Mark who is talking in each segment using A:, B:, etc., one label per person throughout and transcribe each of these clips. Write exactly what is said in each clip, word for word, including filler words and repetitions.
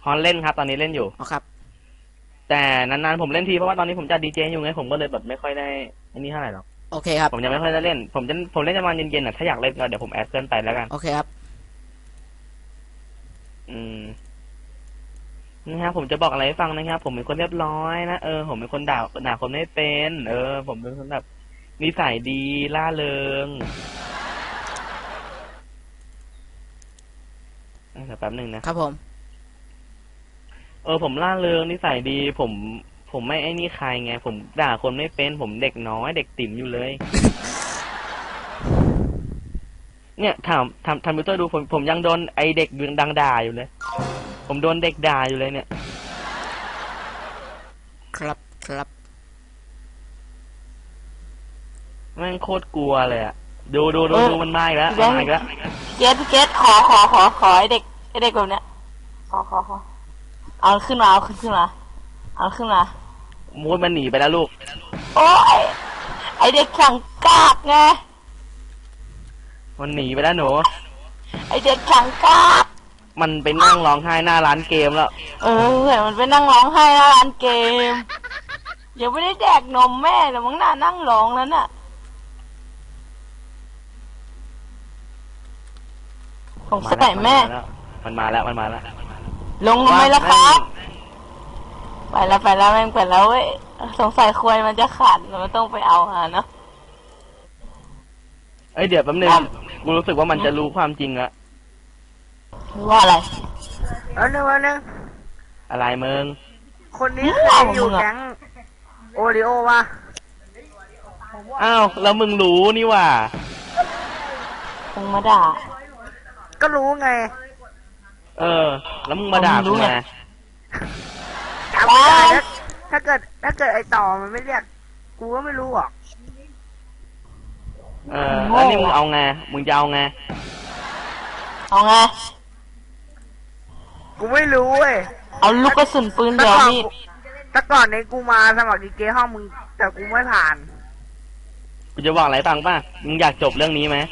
A: ฮอนเล่นครับตอนนี้เล่นอยู่
B: อ๋อครับ
A: แต่นานๆผมเล่นทีเพราะว่าตอนนี้ผมจัดดีเจอยู่ไงผมก็เลยแบบไม่ค่อยได้อันนี้เท่าไหร่หรอก
B: โอเคครับ
A: ผมยังไม่ค่อยได้เล่นผมจะผมเล่นประมาณเย็นๆอ่ะถ้าอยากเล่นก็เดี๋ยวผมแอดเพื่อนไปแล้วกัน
B: โอเคครับ
A: อืมนะครับผมจะบอกอะไรให้ฟังนะครับผมเป็นคนเรียบร้อยนะเออผมเป็นคนด่าด่าคนไม่เป็นเออผมเป็นคนแบบนิสัยดีล่าเริงเดี๋ยวแป๊บหนึ่งนะครับ
B: ผม
A: เออผมล่าเริงนิสัยดีผมผมไม่ไอ้นี่ใครไงผมด่าคนไม่เป็นผมเด็กน้อยเด็กติ๋มอยู่เลย เนี่ยถามทำทำมิวเตอร์ดูผมผมยังโดนไอเด็กดังด่าอยู่เลยผมโดนเด็กด่าอยู่เลยเนี่ย
B: ครับครับ
A: แม่งโคตรกลัวเลยอะดูดูดูดูมันมาอีกแล้วมาอีกแล้ว
C: เกตเกตขอขอขอขอไอเด็กไอเด็กแบบเนี้ยขอขอขอเอาขึ้นมาเอาขึ้นขึ้นมาเอาขึ้นมา
A: มูดมันหนีไปแล้วลูก
C: โอ้ยไอเด็กขังกากไง
A: มันหนีไปแล้วหนู
C: ไอเด็กขังกาก
A: มันไปนั่งร้องไห้หน้าร้านเกมแล้ว
C: เออเห็นมันไปนั่งร้องไห้หน้าร้านเกมยังไม่ได้แดกนมแม่แต่มึงน่านั่งร้องแล้วน่ะผมสกัดแม่
A: มันมาแล้วมันมาแล้ว
C: ลงทำไมล่ะครับไปแล้วไปแล้วแม่งไปแล้วเว้ยสงสัยควายมันจะขาดมันต้องไปเอาหาเนาะ
A: เอ้ยเดี๋ยวแป๊บนึงกูรู้สึกว่ามันจะรู้ความจริงละ
C: ว่าอะไร
D: เอาหนึ่งเอาหนึ่ง
A: อะไรมึง
D: คนนี้เคยอยู่แก๊งโอริโอวะ
A: อ้าวแล้วมึงรู้นี่ว่า
C: มึงมาด่า
D: ก็รู้ไง
A: เออแล้วมึงมาด่ากูไง
D: จำไม่ได้ถ้าเกิดถ้าเกิดไอต่อมันไม่เรียกกูก็ไม่รู้หรอก
A: เออแล้วนี่มึงเอาไงมึงจะเอาไง
C: เอาไง
D: กูไม่รู้เว้ย
C: เอาลูกกระสุนปืนเดี๋ยวนี่
D: แต่ก่อนในกูมาสมัครดีเจห้องมึงแต่กูไม่ผ่าน
A: กูจะบอกอะไรฟังป่ะมึงอยากจบเรื่องนี้ไหม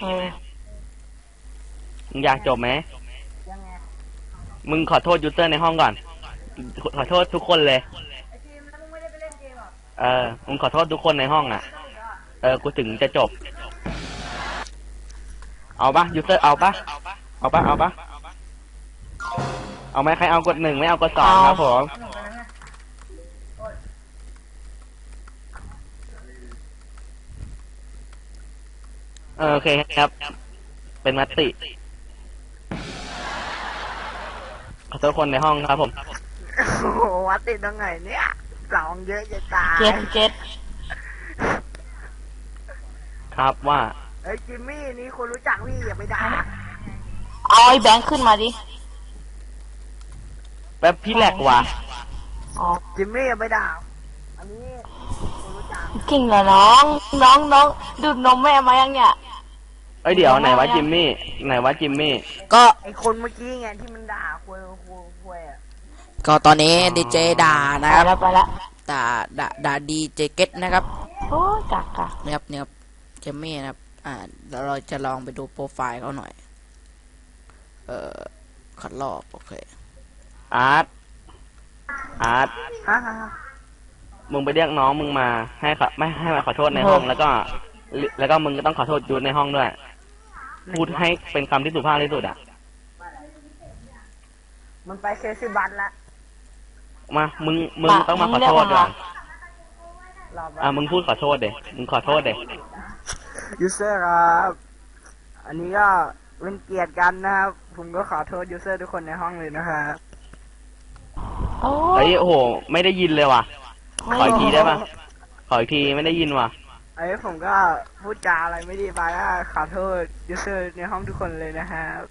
A: มึงอยากจบไหมมึงขอโทษยูเซอร์ในห้องก่อนขอโทษทุกคนเลยเออมึงขอโทษทุกคนในห้องอ่ะเออกูถึงจะจบเอาปะยูเซอร์เอาปะเอาปะเอาปะเอาไหมใครเอากดหนึ่งไม่เอากดสองครับผมโอเคครับเป็นมติขอโทษคนในห้องครับผม
D: โอ้โหวัดติดตรงไหนเนี่ยสองเยอะจะตาย
C: เจ็ดเจ็ด
A: ครับว่า
D: เอ้ยจิมมี่นี่คนรู้จักพี่อย่าไปด่า
C: เอาไอ้แบงค์ขึ้นมาดิ
A: แป๊บพี่แหลกว่ะ
C: อ๋อ
D: จิมมี่อย่าไปด่าอันนี้คนรู้จัก
C: เก่งเหรอน้องน้องน้องดูดนมแม่มายังเนี่ย
A: เอ้ยเดี๋ยวไหนวะจิมมี่ไหนวะจิมมี่
B: ก็
D: ไอคนเมื่อกี้ไงที่มันด่าคุยคุยคุยอ่ะ
B: ก็ตอนนี้ดีเจด่านะครับ
C: ไปแล้วไปแล้ว
B: ด่าด่าด่าดีเจเก็ตนะครับ
C: โอ้กักกัก
B: นะครับเนี่ยเจมมี่นะครับอ่าเราจะลองไปดูโปรไฟล์เขาหน่อยเอ่อขัดรอบโอเค
A: อาร์ตอาร์ต
D: ฮะฮะ
A: มึงไปเรียกน้องมึงมาให้ขอไม่ให้มาขอโทษในห้องแล้วก็แล้วก็มึงก็ต้องขอโทษยูในห้องด้วยพูดให้เป็นคำที่สุภาพที่สุดอ่ะ
D: มันไปเคซิบัตละ
A: มามึงมึงต้องมาขอโทษก่อนอ่ะมึงพูดขอโทษเด็มึงขอโทษเด็
D: ยูเซอร์ครับอันนี้ก็เป็นเกียรติกันนะครับผมก็ขอโทษยูเซอร์ทุกคนในห้องเลยนะครับ
A: เฮ้ยโอ้โหไม่ได้ยินเลยว่ะขออีกทีได้ป่ะขออีกทีไม่ได้ยินว่ะ
D: ไอ้ผมก็พูดจาอะไรไม่ดีไปก็ขอโทษยูเซอร์ในห้องทุกคนเลยนะครับ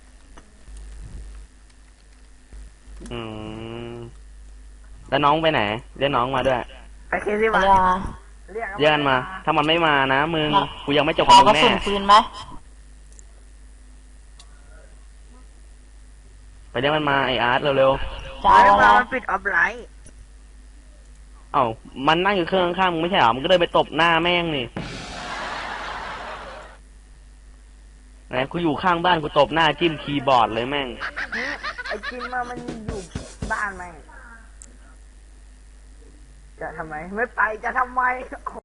A: อืมแล้วน้องไปไหนเรียกน้องมาด้วย
D: ไปเคซิบัต
A: เรียกกันมาถ้ามันไม่มานะมึงกูยังไม่จบกับมึงแน่
C: ขอกระสุนปืนไหม
A: ไปเรียกมันมาไออาร์ตเร็ว
D: ๆจ้าแล้วมันปิดออฟไลน์
A: เอ้ามันนั่งอยู่เครื่องข้างมึงไม่ใช่หรอมึงก็เลยไปตบหน้าแม่งนี่ไหนกูอยู่ข้างบ้านกูตบหน้าจิ้มคีย์บอร์ดเลยแม่ง
D: ไอจิ้มมามันอยู่บ้านไหมจะทำไม ไม่ไปจะทำไม